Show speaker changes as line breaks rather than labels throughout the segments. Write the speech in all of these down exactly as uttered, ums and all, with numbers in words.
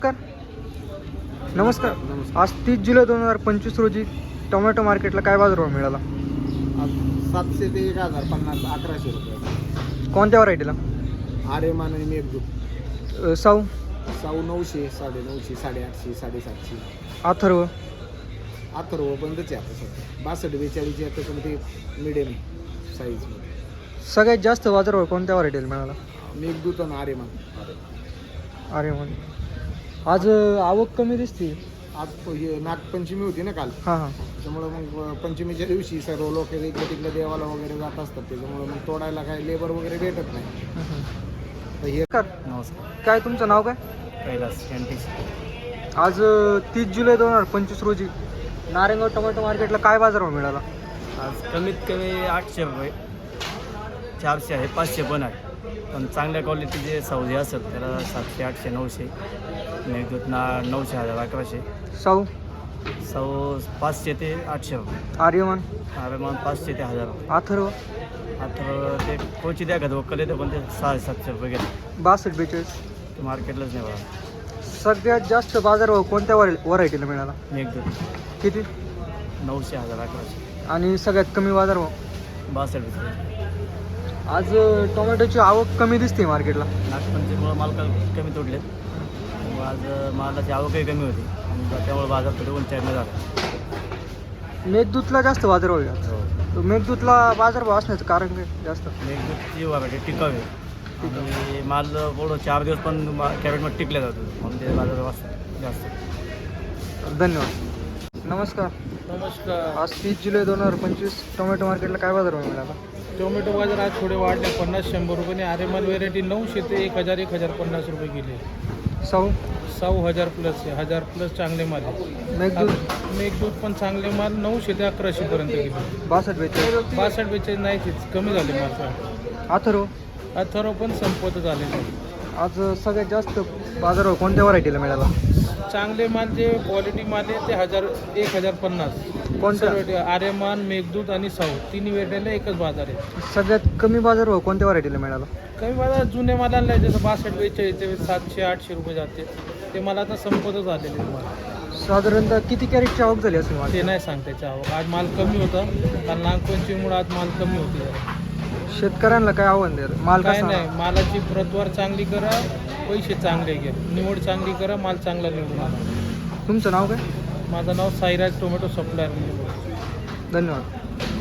नमस्कार नमस्कार आज तीस जुलै दोन हजार पंचवीस रोजी टोमॅटो मार्केटला काय बाजारभाव मिळाला?
आज सातशे ते एक हजार पन्नास अकराशे रुपये.
कोणत्या व्हरायटीला?
आर्यमान आणि मेघदूत.
अ, साऊ
साऊ नऊशे साडे नऊशे साडेआठशे साडेसातशे.
अथर्व
अथर्व बंदच आहे आता सध्या. बासष्ट बेचाळीस आता पण ते मिडियम साईजमध्ये.
सगळ्यात जास्त बाजारभाव कोणत्या व्हरायटीला मिळाला?
मेघदूत आणि आर्यमान.
अरे म्हण आज अ, आवक कमी दिसते.
आज तो हे नागपंचमी होती ना काल,
हां हां
त्याच्यामुळं मग पंचमीच्या दिवशी सर्व लोक इकडे तिकडे देवाला वगैरे जात असतात, त्याच्यामुळं मग तोडायला काही लेबर वगैरे भेटत नाही. तर हे
नमस्कार
नमस्कार.
काय तुमचं नाव काय?
कैलास एनटीस.
आज तीस जुलै दोन हजार पंचवीस रोजी नारायणगाव टोमॅटो मार्केटला काय बाजारभाव मिळाला?
आज कमीत कमी आठशे रुपये, चारशे आहे, पाचशे पण आहे. पण चांगल्या क्वालिटीचे सौदे असतात त्याला सातशे आठशे नऊशे. मेघदूत ना नऊशे हजार अकराशे.
साऊ
सौ पाचशे ते आठशे रुपये.
आर्यमान
आरमान पाचशे ते हजार रुपये.
अथर्व
आता ते कोची द्या का वक्कल येतं पण ते सहा सातशे रुपये गेले.
बासष्ट बेचाळीस.
ते मार्केटलाच नाही बघा.
सगळ्यात जास्त बाजारभाव कोणत्या व्हरायटीला मिळाला?
मेघदूत
किती?
नऊशे हजार अकराशे.
आणि सगळ्यात कमी बाजारभाव?
बासष्ट रुपये.
आज अ, टोमॅटोची आवक कमी दिसते मार्केटला.
नागपंचमीमुळं माल क- कमी तोडले. त्यामुळे आज मालाची आवकही कमी होती आणि त्यामुळे बाजार थोडे उंचाईनं झाला.
मेघदूतला जास्त बाजारभाव आहे आज.
हो.
तर मेघदूतला बाजारभाव असण्याचं कारण काय जास्त?
मेघदूतची व्हरायटी टिकावी आणि माल पुढं चार दिवस पण कॅरेटमध्ये टिकल्या जातो म्हणून ते बाजार वाचतात जास्त.
धन्यवाद. नमस्कार.
नमस्कार.
आज तीस जुलै दोन हजार पंचवीस टोमॅटो मार्केटला काय बाजारभाव मिळाला?
टोमॅटो बाजार आज थोडे वाढले, पन्नास शंभर रुपये. आर्यमान व्हेरायटी नऊशे ते एक हजार एक हजार पन्नास रुपये गेले.
साऊ
सहा हजार प्लस आहे, हजार प्लस चांगले माल आहे.
मेघदूत
मेघदूत पण चांगले माल नऊशे ते अकराशे पर्यंत गेले.
बासष्ट बेचाळीस.
बासष्ट बेचाळीस नाहीच, कमी झाले माल.
अथर्व
अथर्व पण संपत झालेले.
आज सगळ्यात जास्त बाजारभाव कोणत्या व्हरायटीला मिळाला?
चांगले माल जे क्वालिटी माल आहे ते हजार एक हजार पन्नास.
कोणत्या?
आर्यमान मेघदूत आणि साऊ तिन्ही व्हेरायटीला एकच बाजार आहे.
सगळ्यात कमी बाजारभाव कोणत्या व्हरायटीला मिळाला?
काही बाजार जुने मालाला आहे, जसं बासष्ट बेचाळीस ते सातशे आठशे रुपये जाते, ते मला आता संपतच आलेले माल.
साधारणतः किती कॅरेटची आवक झाली असेल माझी?
ते नाही सांगता त्याच्या आवक. आज माल कमी होता कारण नागपंचमीमुळे आज माल कमी होते.
शेतकऱ्यांना काय आव्हान द्याल? माल
काय
कसा?
नाही, मालाची प्रतवार चांगली करा, पैसे चांगले घ्या, निवड चांगली करा, माल चांगला निवडून आणा.
तुमचं नाव काय?
माझं नाव साईराज टोमॅटो सप्लायर.
धन्यवाद.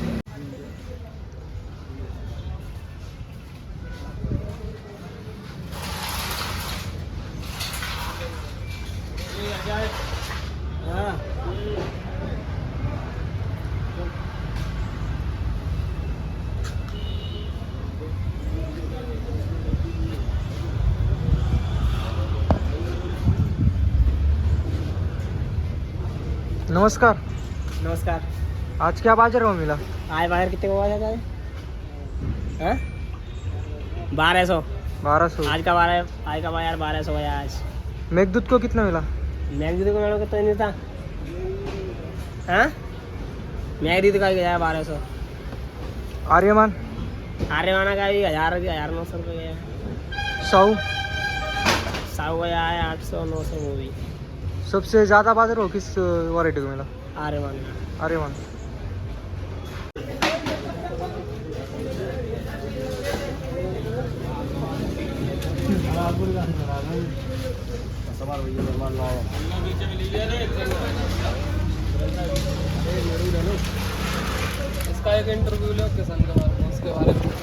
नमस्कार.
नमस्कार.
आज क्या बाजारभाव मिला?
आज बाहर कितने को आया था? हाँ? बारह सौ.
बारह सौ.
आज का बारह आज का बाजार बारह सौ है आज.
मेघदूत को कितना मिला?
मैगदीदी को मेरे को तो नहीं था. हाँ? मैगदीदी का भी गया बारह सौ.
आर्यमान
आर्यमाना का भी हजार हजार नौ सौ रुपये गया.
साऊ
साहू गया है आठ सौ नौ सौ वो भी.
सबसे ज़्यादा बाजारभाव किस वैरायटी को मिला?
आर्यमान.
आर्यमान.
इसका एक इंटरव्यू लो किसान के बारे में, उसके बारे में.